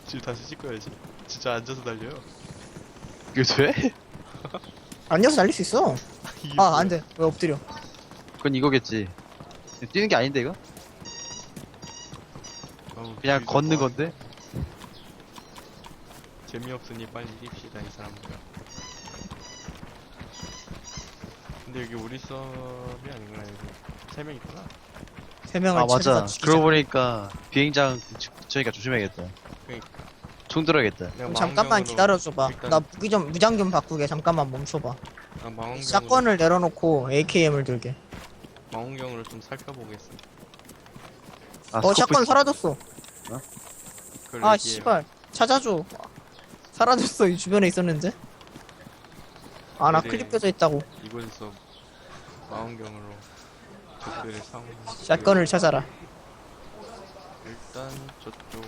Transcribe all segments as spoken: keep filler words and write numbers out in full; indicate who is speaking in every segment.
Speaker 1: 지금 다시 찍어야지. 진짜 앉아서 달려요.
Speaker 2: 이게 돼?
Speaker 3: 앉아서 달릴 수 있어.
Speaker 1: 이게
Speaker 3: 아,
Speaker 1: 뭐야?
Speaker 3: 안 돼. 왜 엎드려?
Speaker 2: 그건 이거겠지. 뛰는 게 아닌데 이거?
Speaker 1: 어우,
Speaker 2: 그냥
Speaker 1: 여기서
Speaker 2: 걷는
Speaker 1: 뭐
Speaker 2: 건데?
Speaker 1: 재미없으니 빨리 이깁시다 이 사람들. 근데 여기 우리 수업이 아닌가 여기 세 명 있구나.
Speaker 3: 세 명을
Speaker 2: 아 맞아.
Speaker 3: 찾아서 죽이자.
Speaker 2: 그러고 보니까 비행장 저니까 조심해야겠다.
Speaker 1: 그러니까
Speaker 2: 총 들어야겠다.
Speaker 1: 내가
Speaker 3: 그럼 잠깐만
Speaker 1: 망원경으로
Speaker 3: 기다려줘봐.
Speaker 1: 일단-
Speaker 3: 나 무기 좀 무장 좀 바꾸게. 잠깐만 멈춰봐.
Speaker 1: 아, 망원경으로
Speaker 3: 샷건을 내려놓고 에이케이엠을 들게.
Speaker 1: 망원경으로 좀 살펴보겠습니다.
Speaker 2: 아,
Speaker 3: 어,
Speaker 2: 스코프
Speaker 3: 샷건
Speaker 2: 있-
Speaker 3: 사라졌어.
Speaker 1: 그걸
Speaker 3: 아,
Speaker 1: 얘기해요.
Speaker 3: 씨발. 찾아줘. 사라졌어. 이 주변에 있었는데. 아, 나
Speaker 1: 그래.
Speaker 3: 클립 껴져 있다고.
Speaker 1: 이곳에서 망원경으로 적들의 상황.
Speaker 3: 샷건을 찾아라.
Speaker 1: 일단 저쪽.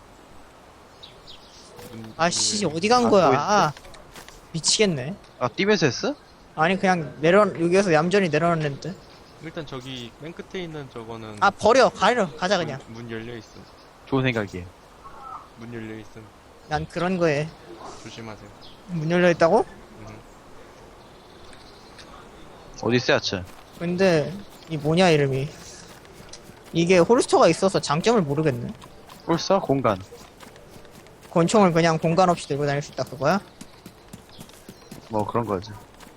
Speaker 1: 문-
Speaker 3: 아씨,
Speaker 1: 문을-
Speaker 3: 어디 간
Speaker 2: 안
Speaker 3: 거야?
Speaker 2: 보이는데?
Speaker 3: 아, 미치겠네.
Speaker 2: 아 뛰면서 했어?
Speaker 3: 아니, 그냥 내려, 여기에서 얌전히 내려놨는데.
Speaker 1: 일단 저기 맨 끝에 있는 저거는
Speaker 3: 아, 버려. 가려. 가자, 그냥.
Speaker 1: 문, 문 열려 있음.
Speaker 2: 좋은 생각이에요.
Speaker 1: 문 열려 있음.
Speaker 3: 난 그런 거에.
Speaker 1: 조심하세요.
Speaker 3: 문 열려 있다고?
Speaker 1: 음.
Speaker 2: 어디 있어야지?
Speaker 3: 근데, 이 뭐냐, 이름이. 이게 홀스터가 있어서 장점을 모르겠네.
Speaker 2: 홀서 공간.
Speaker 3: 권총을 그냥 공간 없이 들고 다닐 수 있다, 그거야?
Speaker 2: 뭐 그런 거지.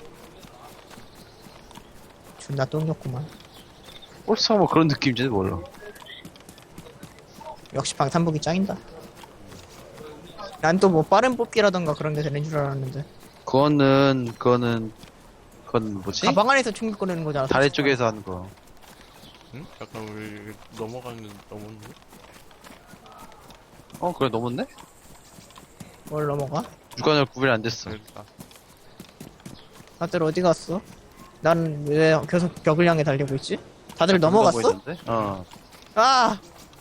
Speaker 3: 존나 똥겼구만.
Speaker 2: 홀서 뭐 그런 느낌인지 몰라.
Speaker 3: 역시 방탄복이 짱이다. 난 또 뭐 빠른 뽑기라던가 그런 게 되는 줄 알았는데.
Speaker 2: 그거는 그거는 그건 뭐지?
Speaker 3: 가방 안에서 총기 꺼내는 거잖아.
Speaker 2: 다리
Speaker 3: 솔직히
Speaker 2: 쪽에서 하는 거.
Speaker 1: 응? 약간 우리 넘어가는 넘었네.
Speaker 2: 어 그래 넘었네?
Speaker 3: 말해. 뭘 넘어가?
Speaker 2: 주관을 구별이 안 됐어.
Speaker 1: 그러니까
Speaker 3: 다들 어디 갔어? 난 왜 계속 벽을 향해 달리고 있지? 다들
Speaker 2: 좀
Speaker 3: 넘어갔어?
Speaker 2: 보이던데? 어.
Speaker 3: 아!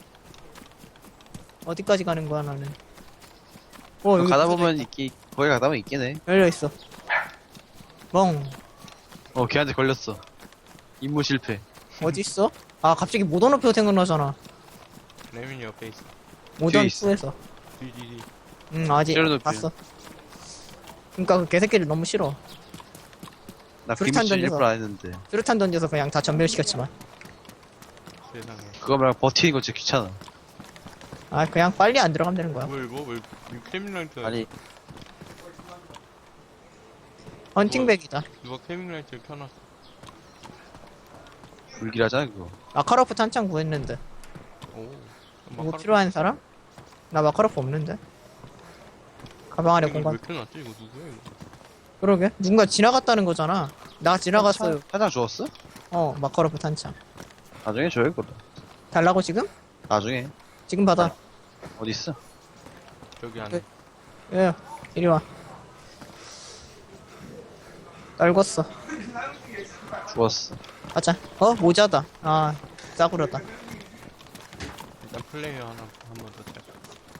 Speaker 3: 어디까지 가는 거야, 나는? 어, 여기
Speaker 2: 가다
Speaker 3: 부서져
Speaker 2: 보면
Speaker 3: 있다.
Speaker 2: 있기 거기 가다 보면 있긴 해.
Speaker 3: 열려있어. 멍.
Speaker 2: 어 걔한테 걸렸어. 임무 실패.
Speaker 3: 어딨어? 아, 갑자기 모던 오페어 생각나잖아.
Speaker 1: 레민이 옆에 있어.
Speaker 3: 모던
Speaker 2: 있어.
Speaker 3: 투에서.
Speaker 1: 뒤뒤뒤.
Speaker 3: 응, 아직
Speaker 2: 제로노피.
Speaker 3: 봤어. 그니까 그 개새끼들 너무 싫어.
Speaker 2: 나
Speaker 3: 수류탄
Speaker 2: 비밀
Speaker 3: 던져서.
Speaker 2: 일부러 안 했는데.
Speaker 3: 수류탄 던져서 그냥 다 전멸시켰지만.
Speaker 1: 세상에.
Speaker 2: 그거 말고 버티는 거 진짜 귀찮아.
Speaker 3: 아, 그냥 빨리 안 들어가면 되는 거야.
Speaker 1: 뭘 뭐 뭘 캐밍라이트
Speaker 2: 아니
Speaker 3: 헌팅백이다.
Speaker 1: 누가 캐밍라이트를 켜놨어.
Speaker 2: 불길하잖아 그거.
Speaker 3: 마카로프 탄창 구했는데.
Speaker 1: 오.
Speaker 3: 뭐 필요한 사람? 나 마카로프 없는데. 가방 안에 공간.
Speaker 1: 왜 켜놨지? 이거 누구야 이거?
Speaker 3: 그러게. 누군가 지나갔다는 거잖아. 나 지나갔어요.
Speaker 2: 하나 주웠어?
Speaker 3: 어, 마카로프 탄창.
Speaker 2: 나중에 줘요 그거.
Speaker 3: 달라고 지금?
Speaker 2: 나중에.
Speaker 3: 지금 받아.
Speaker 2: 어디 있어?
Speaker 1: 저기 안에.
Speaker 3: 네. 예, 이리 와. 떨궜어.
Speaker 2: 주웠어.
Speaker 3: 가자. 어, 모자다. 아, 싸구려다.
Speaker 1: 일단 플레이어 하나 한 번 더 쳐.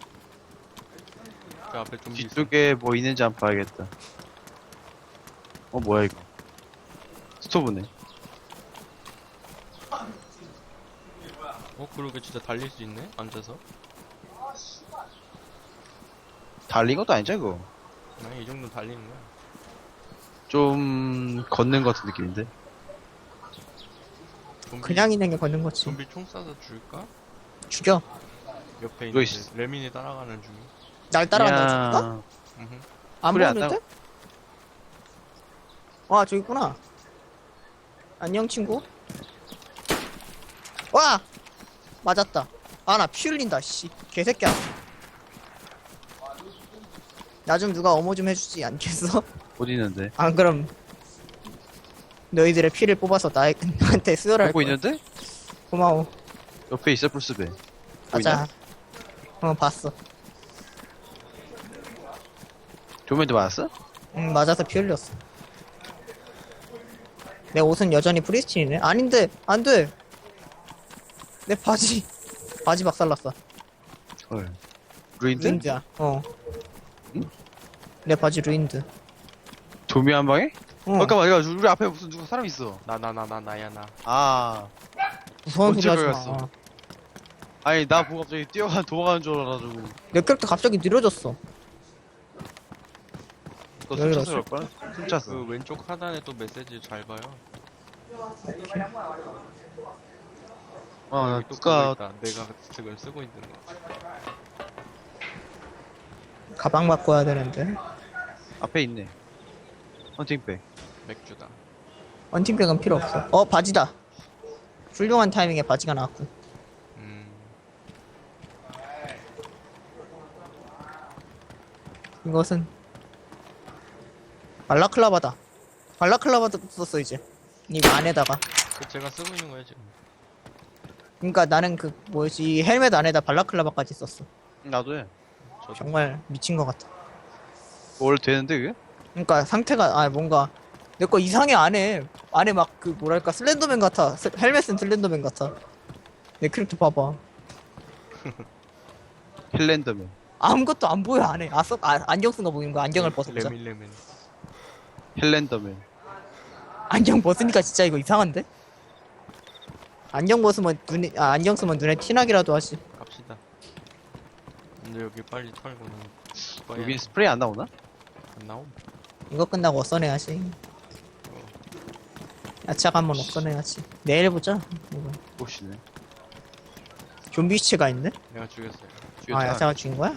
Speaker 1: 저 앞에 좀
Speaker 2: 뒤쪽에 뭐 있는지 한번 봐야겠다. 어 뭐야 이거? 스토브네.
Speaker 1: 어 그러게 진짜 달릴 수 있네. 앉아서.
Speaker 2: 달린 것도 아니죠 이거?
Speaker 1: 아니 이 정도 달리는 거야.
Speaker 2: 좀 걷는 것 같은 느낌인데.
Speaker 1: 좀비,
Speaker 3: 그냥 있는 게 걷는 거지.
Speaker 1: 좀비 총 쏴서 줄까?
Speaker 3: 죽여.
Speaker 1: 옆에
Speaker 2: 이거
Speaker 1: 있는
Speaker 2: 있어.
Speaker 1: 레민이 따라가는 중.
Speaker 3: 날 따라간다고 죽어?
Speaker 2: 그냥
Speaker 1: 음흠.
Speaker 3: 안
Speaker 2: 소리 안
Speaker 3: 보이는데? 와, 저기 있구나. 안녕, 친구. 와! 맞았다. 아, 나 피 흘린다, 씨. 개새끼야. 나 좀 누가 어머 좀 해주지 않겠어?
Speaker 2: 어디 있는데?
Speaker 3: 안 그럼 너희들의 피를 뽑아서 나에, 나한테 수혈할
Speaker 2: 보고
Speaker 3: 거야.
Speaker 2: 있는데?
Speaker 3: 고마워.
Speaker 2: 옆에 있어 플스배.
Speaker 3: 가자. 어, 봤어.
Speaker 2: 조면도 맞았어?
Speaker 3: 응, 맞아서 피 흘렸어. 내 옷은 여전히 프리스틴이네? 아닌데, 안 돼! 내 바지, 바지 박살났어.
Speaker 2: 헐. 루인드?
Speaker 3: 루인드야, 어.
Speaker 2: 응?
Speaker 3: 내 바지 루인드.
Speaker 2: 조미 한 방에?
Speaker 3: 어.
Speaker 2: 잠깐만 이거 우리 앞에 무슨 누구 사람 있어.
Speaker 1: 나 나 나 나 나야 나.
Speaker 2: 아
Speaker 3: 무서운 소리
Speaker 2: 언제
Speaker 3: 하지
Speaker 2: 보였어?
Speaker 3: 마.
Speaker 2: 아니 나 보고 갑자기 뛰어가 도망가는 줄 알아가지고
Speaker 3: 내 캐릭터 갑자기 느려졌어.
Speaker 2: 너
Speaker 3: 여기로
Speaker 2: 숨차서 그럴걸? 숨차서
Speaker 1: 그 왼쪽 하단에 또 메시지 잘 봐요.
Speaker 2: 어
Speaker 1: 여기 또
Speaker 2: 누가
Speaker 1: 그거 있다. 내가 지금 쓰고 있는 거.
Speaker 3: 가방 바꿔야 되는데.
Speaker 2: 앞에 있네 헌팅백
Speaker 1: 맥주다.
Speaker 3: 헌팅백은 필요 없어. 어, 바지다. 훌륭한 타이밍에 바지가 나왔고.
Speaker 1: 음.
Speaker 3: 이것은 발라클라바다. 발라클라바도 썼어 이제. 이거 안에다가.
Speaker 1: 그 제가 쓰고 있는 거예요 지금.
Speaker 3: 그러니까 나는 그 뭐지 이 헬멧 안에다 발라클라바까지 썼어.
Speaker 2: 나도 해
Speaker 1: 저도.
Speaker 3: 정말 미친 것 같아.
Speaker 2: 원래 되는데 그게?
Speaker 3: 그러니까 상태가 아 뭔가 내 거 이상해 안에 안에 막 그 뭐랄까 슬렌더맨 같아. 스- 헬멧은 슬렌더맨 같아. 내 캐릭터 봐봐.
Speaker 2: 힐랜더맨
Speaker 3: 아무것도 안 보여 안에. 아, 써, 아 안경 쓴 거 보이는 거 안경을 벗었자.
Speaker 1: 레밀레밀.
Speaker 2: 힐랜더맨
Speaker 3: 안경 벗으니까 진짜 이거 이상한데? 안경 벗으면 눈에 아 안경 쓰면 눈에 티나기라도 하지.
Speaker 1: 갑시다. 근데 여기 빨리 털고는.
Speaker 2: 여기 스프레이 안 나오나?
Speaker 1: 안 나옴.
Speaker 3: 이거 끝나고 어써내야지. 야채가 한번 어써내야지. 내일 보자. 이거.
Speaker 2: 혹시네
Speaker 3: 좀비 시체가 있네?
Speaker 1: 내가 죽였어요.
Speaker 3: 아 야채가 죽인 거야?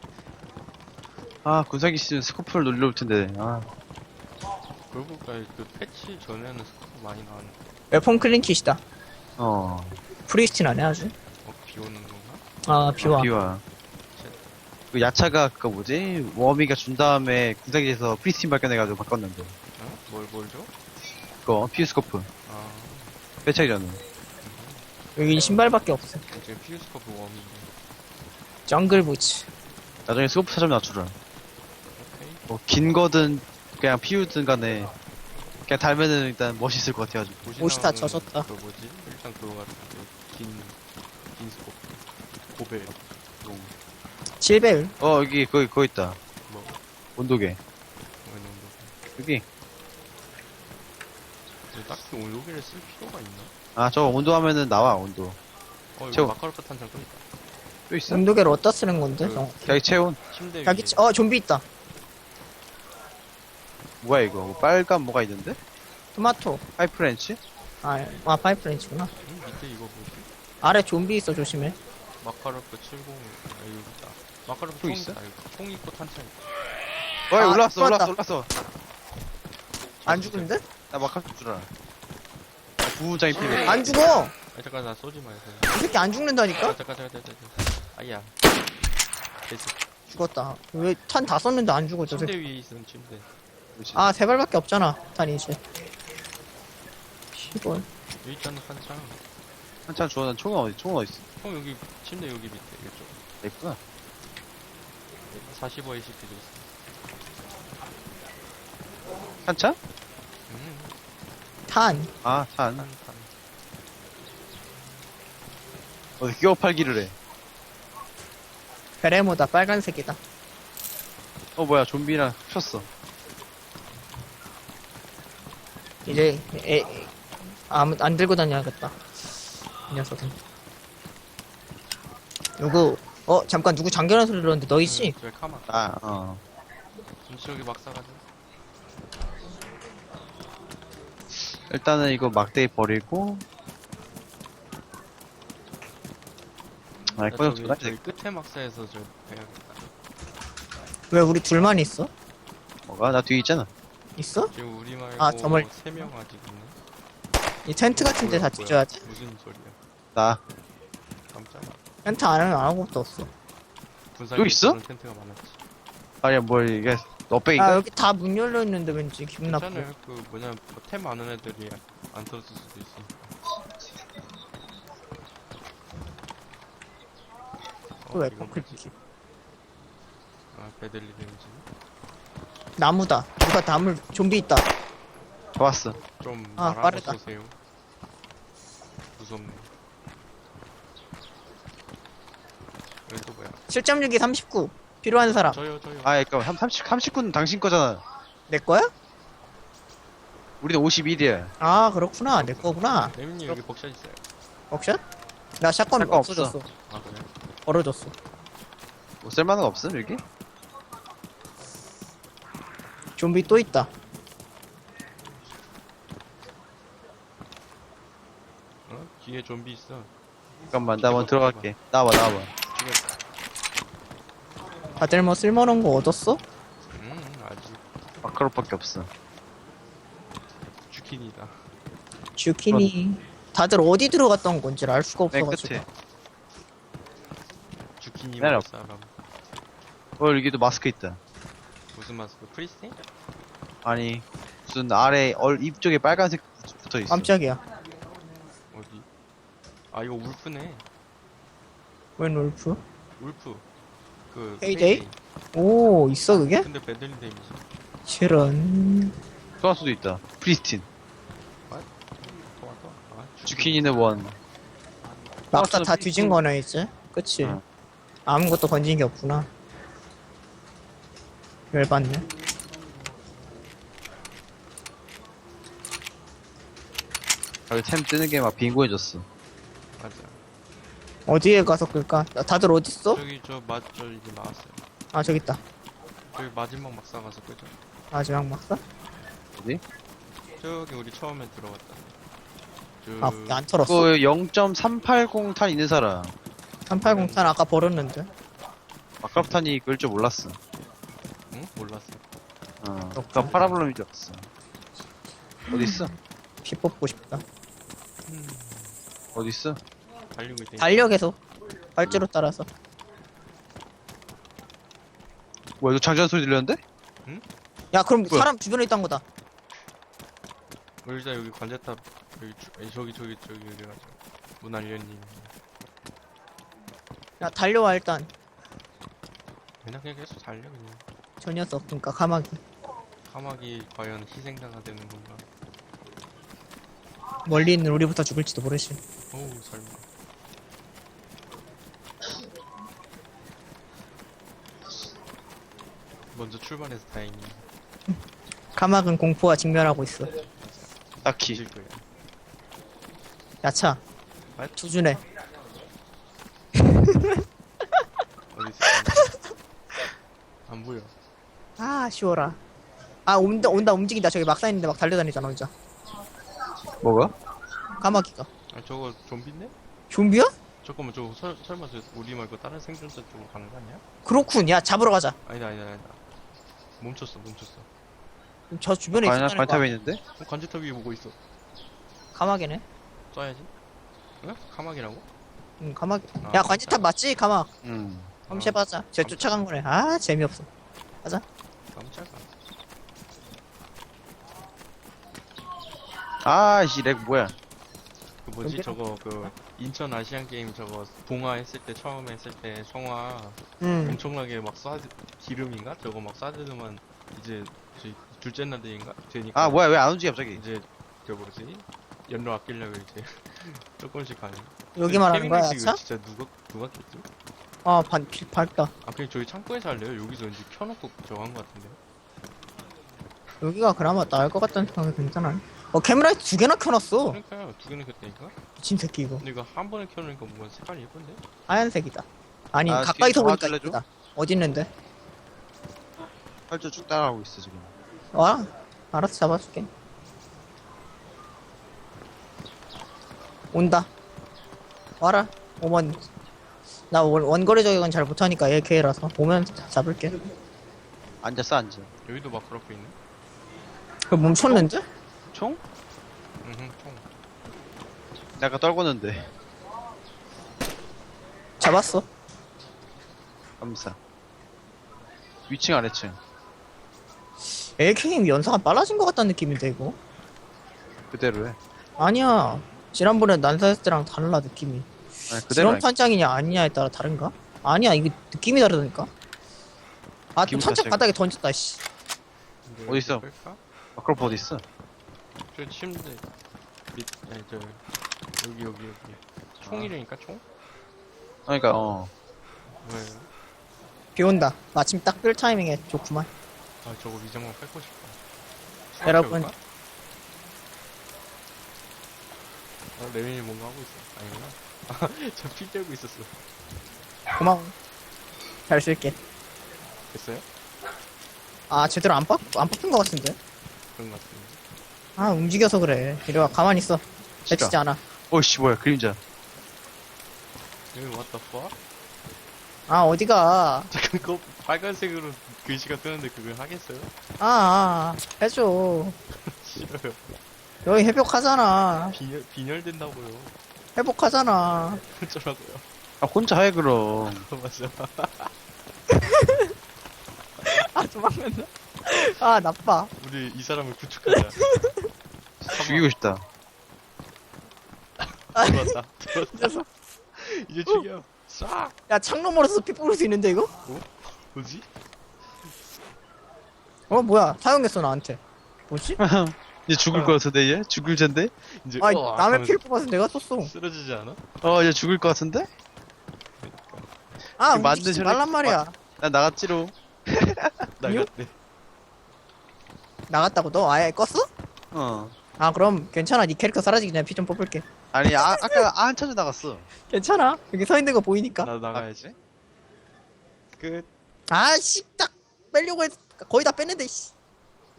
Speaker 2: 아 군사기 씨는 스코프를 눌러올 텐데 아
Speaker 1: 그러고 보니까 그 패치 전에는 스코프 많이 나왔는데.
Speaker 3: 웨폰 클린 킷이다.
Speaker 2: 어
Speaker 3: 프리스틴 안해 아주.
Speaker 1: 어, 비 오는 건가?
Speaker 3: 아 비와.
Speaker 2: 아, 비와 그 야차가 그거 뭐지? 워미가 준 다음에 군사기에서 프리스틴 발견해가지고 바꿨는데
Speaker 1: 어? 뭘, 뭘 줘?
Speaker 2: 그거 피우스코프
Speaker 1: 아,
Speaker 2: 빼차기 전에
Speaker 3: 여기 신발밖에 없어.
Speaker 1: 지금 피우스코프 웜인데.
Speaker 3: 정글 부츠.
Speaker 2: 나중에 스코프 찾으면 낮추라
Speaker 1: 오케이.
Speaker 2: 뭐 긴 거든 그냥 피우든 간에 그냥 달면은 일단 멋있을 것 같아가지고
Speaker 1: 옷이
Speaker 3: 옷이 다
Speaker 1: 나오는
Speaker 3: 젖었다.
Speaker 1: 그 뭐지? 일단 그거 같은 그 긴, 긴 스코프. 고벨. 롱.
Speaker 3: 칠배율.
Speaker 2: 어 여기 거기 거기 있다
Speaker 1: 뭐,
Speaker 2: 온도계
Speaker 1: 뭐 이런 거.
Speaker 2: 여기
Speaker 1: 근데 딱히 오늘 여기를 쓸 필요가 있나?
Speaker 2: 아 저거 온도하면은 나와 온도
Speaker 1: 어, 이거
Speaker 2: 채워.
Speaker 1: 마카로프 탄창 또 있다.
Speaker 2: 또 있어?
Speaker 3: 온도계를 어디다 쓰는 건데?
Speaker 1: 그-
Speaker 3: 정-
Speaker 2: 자기 체온
Speaker 1: 침대 위에.
Speaker 3: 자기 치- 어 좀비 있다.
Speaker 2: 뭐야 이거 뭐 빨간 뭐가 있는데?
Speaker 3: 토마토.
Speaker 2: 하이프렌치?
Speaker 3: 아, 아 파이프렌치구나.
Speaker 1: 음, 밑에 이거 뭐지?
Speaker 3: 아래 좀비 있어 조심해.
Speaker 1: 마카로프 칠십. 아, 여기 있다. 마카로프
Speaker 2: 또
Speaker 1: 총
Speaker 2: 있어?
Speaker 1: 있다. 이거. 총 있고 탄창 있다.
Speaker 2: 어
Speaker 3: 아,
Speaker 2: 올라왔어
Speaker 3: 들어왔다.
Speaker 2: 올라왔어 올라왔어
Speaker 3: 안 죽는데?
Speaker 2: 나 막할 줄 알아 아, 부부장이 필요해
Speaker 3: 안 죽어.
Speaker 1: 아, 잠깐, 나 쏘지 마요.
Speaker 3: 이 새끼 안
Speaker 1: 아,
Speaker 3: 죽는다니까?
Speaker 1: 잠깐, 잠깐, 잠깐, 잠깐. 아야. 됐어.
Speaker 3: 죽었다. 왜 탄 다 썼는데 안 죽어 저
Speaker 1: 침대
Speaker 3: 새끼.
Speaker 1: 위에 있으면 침대.
Speaker 2: 그렇지.
Speaker 3: 아 세 발밖에 없잖아. 탄 이제. 시골.
Speaker 1: 여기 있잖아, 탄창.
Speaker 2: 한참 주워 난 총은 어디 총은 어디 있어
Speaker 1: 총 여기, 침대 여기 밑에. 이쪽.
Speaker 2: 아, 있구나
Speaker 1: 사십오 에이씨피도 있어.
Speaker 2: 한참?
Speaker 1: 음,
Speaker 3: 탄.
Speaker 2: 아산
Speaker 1: 탄, 탄.
Speaker 2: 어디 끼워 팔기를 해
Speaker 3: 베레모다 빨간색이다.
Speaker 2: 어 뭐야 좀비랑 쳤어
Speaker 3: 이제 에, 아무 안 들고 다녀야겠다. 이 녀석은. 누구? 어 잠깐 누구 잠겨놓은 소리 들었는데 너희지?
Speaker 1: 음, 저기 카마.
Speaker 2: 아어
Speaker 1: 김치 여기 막 싸가지고.
Speaker 2: 일단은 이거 막대기 버리고 아
Speaker 1: 야,
Speaker 2: 꺼져
Speaker 1: 저기,
Speaker 2: 두나?
Speaker 1: 저기 끝에 막사에서 저 해야겠다.
Speaker 3: 왜 우리 둘만 있어?
Speaker 2: 뭐가? 나 뒤에 있잖아
Speaker 3: 있어?
Speaker 1: 지금 우리 말고
Speaker 3: 아, 저멀-
Speaker 1: 세 명 아직 있네.
Speaker 3: 이 텐트 같은 데 다
Speaker 1: 뭐야,
Speaker 3: 뒤져야 돼?
Speaker 1: 무슨 소리야?
Speaker 2: 나
Speaker 3: 아,
Speaker 1: 깜짝아.
Speaker 3: 텐트 안 하면 아무것도 없어.
Speaker 1: 군사
Speaker 2: 여기 있어?
Speaker 1: 텐트가 많았지.
Speaker 2: 아니야 뭘 이게 너빼인가?
Speaker 3: 아 여기 다 문 열려 있는데 왠지 기분 나쁘고.
Speaker 1: 괜찮아요. 그 뭐냐 뭐템 많은 애들이 안 털었을 수도 있어. 어,
Speaker 3: 왜
Speaker 1: 이건
Speaker 3: 포클
Speaker 1: 뭐지? 아, 베들리 렌지.
Speaker 3: 나무다. 누가 나물 좀비 있다.
Speaker 2: 좋았어
Speaker 1: 좀
Speaker 3: 아,
Speaker 1: 말아서
Speaker 3: 빠르다.
Speaker 1: 쏘세요. 무섭네. 여기 또 뭐야?
Speaker 3: 칠 점 육이 삼십구. 필요한 사람.
Speaker 1: 저요 저요.
Speaker 2: 아 그니까 삼십, 삼십구 는 당신 거잖아
Speaker 3: 내 거야?
Speaker 2: 우리는 오십일이야
Speaker 3: 아 그렇구나. 내 거구나.
Speaker 1: 레민님 여기 복샷 있어요.
Speaker 3: 옥션? 나 샷건
Speaker 2: 샷건 없어.
Speaker 3: 없어졌어.
Speaker 1: 아 그래?
Speaker 3: 벌어졌어.
Speaker 2: 뭐 쓸만한 거 없음 여기?
Speaker 3: 좀비 또 있다.
Speaker 1: 어? 뒤에 좀비 있어.
Speaker 2: 잠깐만 나 먼저 들어갈게. 나와봐 나와봐.
Speaker 1: 죽였다.
Speaker 3: 다들 뭐 쓸만한 거 얻었어?
Speaker 1: 음 아직
Speaker 2: 마카로밖에 없어.
Speaker 1: 주킨이다.
Speaker 3: 주키니. 다들 어디 들어갔던 건지 알 수가
Speaker 2: 맨
Speaker 3: 없어가지고.
Speaker 2: 끝에.
Speaker 1: 주킨이
Speaker 2: 내려.
Speaker 1: 먹을 사람.
Speaker 2: 어 여기도 마스크 있다.
Speaker 1: 무슨 마스크? 프리스팅?
Speaker 2: 아니 무슨 아래 얼 입 쪽에 빨간색 붙어 있어.
Speaker 3: 깜짝이야.
Speaker 1: 어디? 아 이거 울프네.
Speaker 3: 웬 울프?
Speaker 1: 울프. 그
Speaker 3: 페이데이? 오, 있어 그게?
Speaker 1: 근데 배들린 데미지.
Speaker 3: 실은.
Speaker 2: 소환수도 있다. 프리스틴.
Speaker 1: 또 왔다. 아,
Speaker 2: 주키니는 원.
Speaker 3: 막다
Speaker 2: 플러스
Speaker 3: 다 뒤진 거네 이제. 그치?
Speaker 2: 어.
Speaker 3: 아무것도 건진 게 없구나. 열받네.
Speaker 2: 여기 템 뜨는 게 막 빙고해졌어.
Speaker 1: 맞아.
Speaker 3: 어디에 가서 끌까? 나- 다들 어딨어?
Speaker 1: 저기 저맞저 이제 나왔어요.
Speaker 3: 아 저기 있다.
Speaker 1: 저기 마지막 막사 가서 끄죠.
Speaker 3: 마지막 막사?
Speaker 2: 어디?
Speaker 1: 저기 우리 처음에 들어갔다. 저...
Speaker 3: 아, 그게 안 털었어?
Speaker 2: 그 영 점 삼팔공 탄 있는 사람.
Speaker 3: 삼팔공 탄 아까 버렸는데.
Speaker 2: 마카로탄이 그럴 줄 몰랐어.
Speaker 1: 응? 몰랐어.
Speaker 2: 어. 아까 파라블럼인 줄 알았어. 어디 있어?
Speaker 3: 피 뽑고 싶다.
Speaker 1: 음,
Speaker 2: 어디 있어?
Speaker 1: 달리고 있대.
Speaker 3: 달려 계속. 발주로 따라서.
Speaker 2: 뭐야 이거 장전 소리 들렸는데?
Speaker 3: 야 그럼
Speaker 2: 뭐야?
Speaker 3: 사람 주변에 있던 거다.
Speaker 1: 의자 여기 관제탑 여기 주- 아니, 저기 저기 저기 이래가지고 문알려님.
Speaker 3: 야 달려와 일단.
Speaker 1: 그냥 그냥 계속 달려 그냥.
Speaker 3: 저 녀석 그니까 가마귀.
Speaker 1: 카막이 과연 희생자가 되는 건가?
Speaker 3: 멀리 있는 우리부터 죽을지도 모르지.
Speaker 1: 어우 설마. 먼저 출발해서 다행히
Speaker 3: 가마귀는 공포와 직면하고 있어.
Speaker 2: 딱히.
Speaker 1: 뒤질 거야.
Speaker 3: 야차.
Speaker 1: 아?
Speaker 3: 투준해.
Speaker 1: 어디 있어? 안 보여.
Speaker 3: 아 쉬워라. 아 온다 온다 움직인다. 저기 막사 있는데 막 달려다니잖아 혼자.
Speaker 2: 뭐가?
Speaker 3: 까마귀가.
Speaker 1: 아 저거 좀비인데?
Speaker 3: 좀비야?
Speaker 1: 잠깐만 저거 설, 설마 저 우리 말고 다른 생존자 쪽으로 가는 거 아니야?
Speaker 3: 그렇군. 야 잡으러 가자.
Speaker 1: 아니다 아니다 아니다. 멈췄어 멈췄어.
Speaker 3: 저 주변에
Speaker 2: 관탑
Speaker 3: 있었다는
Speaker 2: 관탑에
Speaker 3: 거야.
Speaker 2: 있는데?
Speaker 1: 어, 관제탑 위에 보고 있어.
Speaker 3: 가마귀네.
Speaker 1: 쏴야지. 응? 카막이라고?
Speaker 3: 응 가마귀.
Speaker 1: 아,
Speaker 3: 야 관지탑 맞지? 가마.
Speaker 2: 응.
Speaker 3: 한번 해봐자. 쟤 쫓아간 거네. 아 재미없어.
Speaker 1: 깜짝아.
Speaker 2: 아이씨 렉 뭐야?
Speaker 1: 그 뭐지
Speaker 3: 여기로?
Speaker 1: 저거 그 인천 아시안 게임 저거 동화 했을 때 처음에 했을 때 성화
Speaker 3: 응.
Speaker 1: 엄청나게 막 쏴 기름인가 저거 막 쏴주더만 이제 저희 둘째 날 되니까 되니까
Speaker 2: 아 뭐야 왜 안 오지 갑자기?
Speaker 1: 이제 저 뭐지 연료 아끼려고 이제 조금씩 가는.
Speaker 3: 여기 말하는 거야
Speaker 1: 케빈
Speaker 3: 야차?
Speaker 1: 이거 진짜 누가 누가 켰지?
Speaker 3: 아 반, 피, 밝다.
Speaker 1: 아 그냥 저희 창고에서 할래요? 여기서 이제 켜놓고 저거 한 거 같은데.
Speaker 3: 여기가 그나마 나을 것 같다는 생각이 괜찮아. 어 캠라이트 두 개나 켜놨어.
Speaker 1: 그러니까요 두 개나 켰다니까.
Speaker 3: 미친 새끼 이거.
Speaker 1: 근데 이거 한 번에 켜놓으니까 뭔가 색깔이 예쁜데?
Speaker 3: 하얀색이다. 아니
Speaker 2: 아,
Speaker 3: 가까이서
Speaker 2: 지금
Speaker 3: 보니까
Speaker 2: 도와줄래죠?
Speaker 3: 이쁘다. 어디 있는데?
Speaker 2: 활주 쭉 따라가고 있어 지금.
Speaker 3: 와 알아서 잡아줄게. 온다. 와라. 오면 나 원, 원거리 저격은 잘 못하니까 에이케이라서 오면 잡을게.
Speaker 2: 앉았어 앉아.
Speaker 1: 여기도 막 그렇게 있네.
Speaker 3: 그 멈췄는데?
Speaker 2: 총?
Speaker 1: 응응 총.
Speaker 2: 내가 떨궜는데.
Speaker 3: 잡았어.
Speaker 2: 감사. 위층 아래층.
Speaker 3: 에이케이 연사가 빨라진 것 같다는 느낌인데 이거?
Speaker 2: 그대로 해.
Speaker 3: 아니야. 지난번에 난사했을 때랑 달라 느낌이.
Speaker 2: 아니, 그대로
Speaker 3: 지원
Speaker 2: 해.
Speaker 3: 탄창이냐 아니냐에 따라 다른가? 아니야 이게 느낌이 다르다니까. 아 또
Speaker 2: 기분
Speaker 3: 탄창
Speaker 2: 자체가.
Speaker 3: 바닥에 던졌다 씨.
Speaker 1: 근데
Speaker 2: 어디 있어?
Speaker 1: 끌까?
Speaker 2: 마크로프 어디 있어?
Speaker 1: 저 침대 밑 아니 저 여기 여기 여기 총이라니까 총?
Speaker 2: 그러니까 어.
Speaker 1: 왜?
Speaker 3: 비 온다. 마침 딱 뜰 타이밍에 좋구만.
Speaker 1: 아 저거 위장만 뺏고 싶다.
Speaker 3: 여러분.
Speaker 1: 어 레민이 뭔가 하고 있어. 아니구나. 저피 빼고 있었어.
Speaker 3: 고마워. 잘 쓸게.
Speaker 1: 됐어요?
Speaker 3: 아, 제대로 안 뽑, 안 뽑힌 것 같은데?
Speaker 1: 그런 것 같은데.
Speaker 3: 아, 움직여서 그래. 이리와, 가만히 있어.
Speaker 2: 싫어.
Speaker 3: 해치지 않아.
Speaker 2: 어이씨, 뭐야, 그림자.
Speaker 1: 여기 what the fuck?
Speaker 3: 아, 어디가.
Speaker 1: 잠깐 그거 빨간색으로 글씨가 뜨는데 그걸 하겠어요?
Speaker 3: 아, 아, 해줘.
Speaker 1: 싫어요.
Speaker 3: 여기 회복하잖아.
Speaker 1: 빈혈, 빈혈된다고요.
Speaker 3: 회복하잖아.
Speaker 1: 어쩌라고요.
Speaker 2: 아, 혼자 해, 그럼.
Speaker 1: 맞아.
Speaker 3: 아, 도망간다. 아, 나빠.
Speaker 1: 우리 이 사람을 구축하자.
Speaker 2: 죽이고 싶다.
Speaker 1: 들어왔다. 들어왔다.
Speaker 3: 녀석.
Speaker 1: 이제 죽여. 싹!
Speaker 3: 야, 창문 멀어서 피 뿌릴 수 있는데, 이거?
Speaker 1: 뭐지?
Speaker 3: 어, 뭐야. 사용했어, 나한테. 뭐지?
Speaker 2: 이제 죽을 것 같은데, 얘? 죽을 텐데?
Speaker 1: 이제
Speaker 3: 아,
Speaker 1: 으악
Speaker 3: 남의
Speaker 1: 하면서
Speaker 3: 피를 뽑아서 내가 썼어.
Speaker 1: 쓰러지지 않아?
Speaker 2: 어, 이제 죽을 것 같은데?
Speaker 3: 아,
Speaker 2: 이거 만든
Speaker 3: 움직이지
Speaker 2: 혈액-
Speaker 3: 말란 말이야.
Speaker 2: 난 나갔지롱.
Speaker 1: 나갔네.
Speaker 3: 나갔다고 너 아예 껐어?
Speaker 2: 어.
Speaker 3: 아, 그럼 괜찮아. 네 캐릭터 사라지기 전에 피 좀 뽑을게.
Speaker 2: 아니, 아, 아까 한참에 나갔어.
Speaker 3: 괜찮아. 여기 서 있는 거 보이니까.
Speaker 1: 나도 나가야지. 끝.
Speaker 3: 아, 씨, 딱 빼려고 했, 거의 다 뺐는데, 씨.